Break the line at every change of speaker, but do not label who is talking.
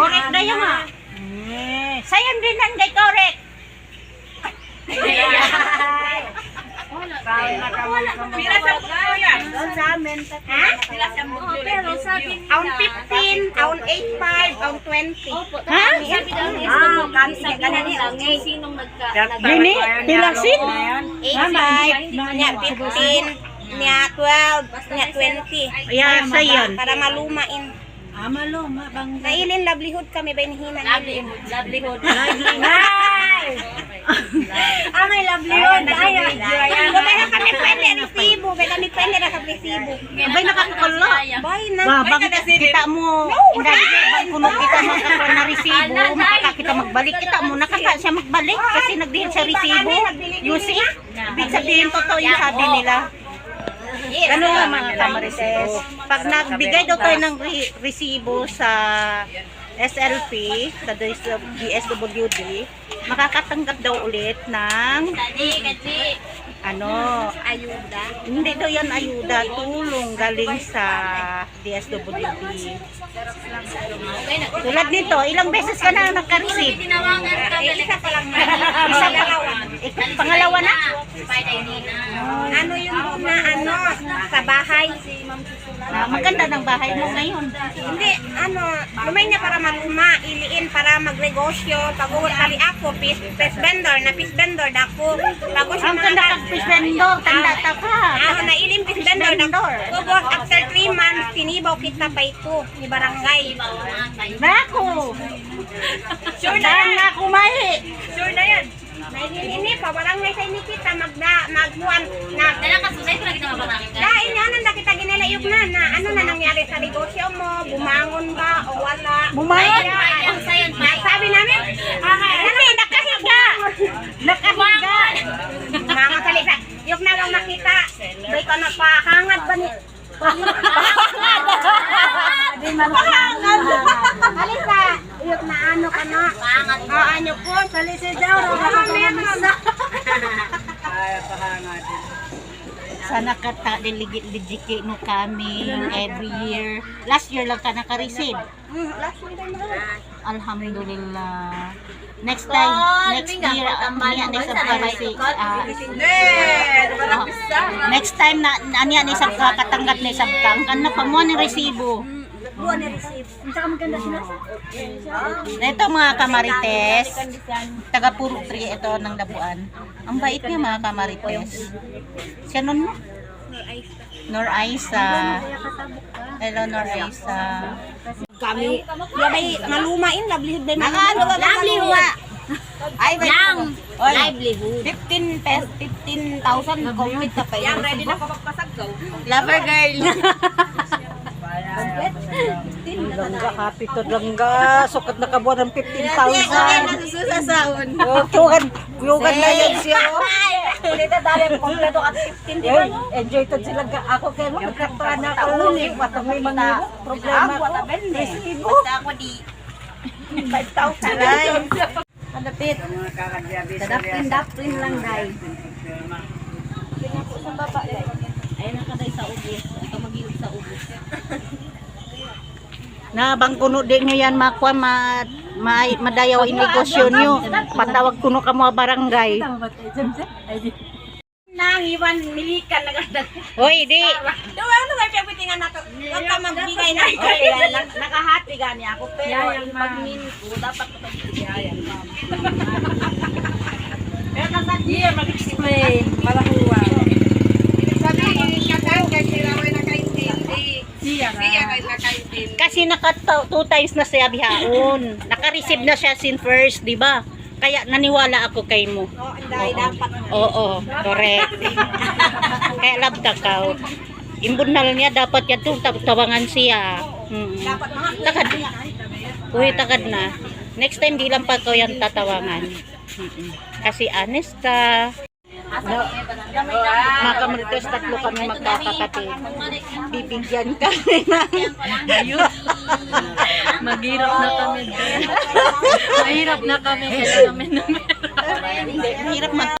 Correct na yun ha. Sayang din ang kay correct.
Pila sa buko yan?
Sa amin.
Ha? Pila sa buko.
Pero sabi
Aun 15, aun 85, aun 20.
Ha?
sabi daw ni
ganun lang.
sinong
Gini? Pilasin?
85, niya 15, niya 12, niya 20.
Yeah, sayon.
Para malumain.
maluma bang
Nailin livelihood kami ba hinihinan?
livelihood.
Ang livelihood. Ay, kaya kami pwede resibo. Kaya kami pwede na kami resibo.
Abay nakakakulo.
Bay na.
Bang kita mo. Bang kuno kita na resibo. Makaka kita magbalik. Kita mo nakaka siya magbalik kasi nagdihin sa resibo. You see? Ibig sabihin totoo yung sabi nila. Ano nga mga kamarites? Pag nagbigay daw tayo ng resibo sa SLP, sa DSWD, makakatanggap daw ulit ng ayuda. Hindi daw yan ayuda, tulong galing sa DSWD. Tulad nito, ilang beses ka na nagka-receive?
Isa pa lang.
Isa pa. Pangalawa na?
Ano yung na sa bahay?
Maganda ng bahay mo ngayon.
Hindi, lumay niya para maluma, iliin para magnegosyo. Pag-uwat kali ako, fish vendor dako. Bago siya
Ang ganda kang fish vendor, tanda ta ka.
Nailin fish vendor dako. Pag after 3 months, tinibaw kita pa ito ni barangay.
Nako!
Sure na yan.
Nako, Mahi!
Sure na yan. Nailin pa, barangay sa ini kita, magbuwan, dahil nga na kita ginilayog na ano na nangyari sa negosyo mo, bumangon ba o wala.
Bumangon?
Sabi namin, nakahiga.
Nakahiga!
Mga salita, yung nawang nakita, doon ka napahangad ba ni... Halika, yung na ano ka na. Ano po, salisi daw.
Sana ka delegate mo kami every year. Last year lang ka naka-receive.
Last week na.
Alhamdulillah. Next year, next time na aniya ni sab ka katanggat ni sab ka kan na pa mo ni resibo.
Buwan na receive. Saka maganda sila.
Ito mga kamarites, taga Puro 3 ito ng Labuan. Ang bait niya mga kamarites. Siya nun mo? Nor Aisa. Hello Nor Aisa.
Kami, yabay malumain, livelihood din.
Livelihood.
Ay,
Livelihood.
15,000 complete na pa yun. Ready na kapagpasagaw.
Lover girl.
Langga, happy to langga. Sukat na kabuan ng 15,000.
Susasaon.
Kuyugan na yan siya.
Ulit na dali ang kompleto at 15, di ba?
Enjoy to sila. Ako kayo mo, nagkaktaan na ako. Matamay mga problema ko. Resibo.
Ako di 5,000. Malapit. Dapin lang, day.
Ayun na kaday sa ubos. Ito mag-iog sa ubos. Na bang kuno din nyo yan makuha madayaw in negosyo nyo. Patawag kuno ka mga barangay.
Nangiwan, milikan na ganda.
Hoy, di.
Diba, ano ba yung pitingan na to? Huwag ka magbigay na. Nakahati gani ako. Pero pag minko, dapat ko pag-iyayan. Pero kasadiya, mag-explain. Malahuwa. Sabi, kakang kasi raway nakaintindi. Siya kay nakaintindi.
Kasi naka 2 times na siya bihaon. Naka-receive na siya sin first, di ba? Kaya naniwala ako kay mo.
Dahil dapat.
Oo, correct. Kaya love takaw. Imbunal niya dapat yan itong tawangan siya.
Dapat mga
Takad. Uy, takad na. Next time di lang pa ko yan tatawangan. Kasi honest ka. Mga kamarites, 3 kami magkakapatid. Bibigyan kami ng
Maghirap na kami. Mahirap na kami. Kailangan namin
Mahirap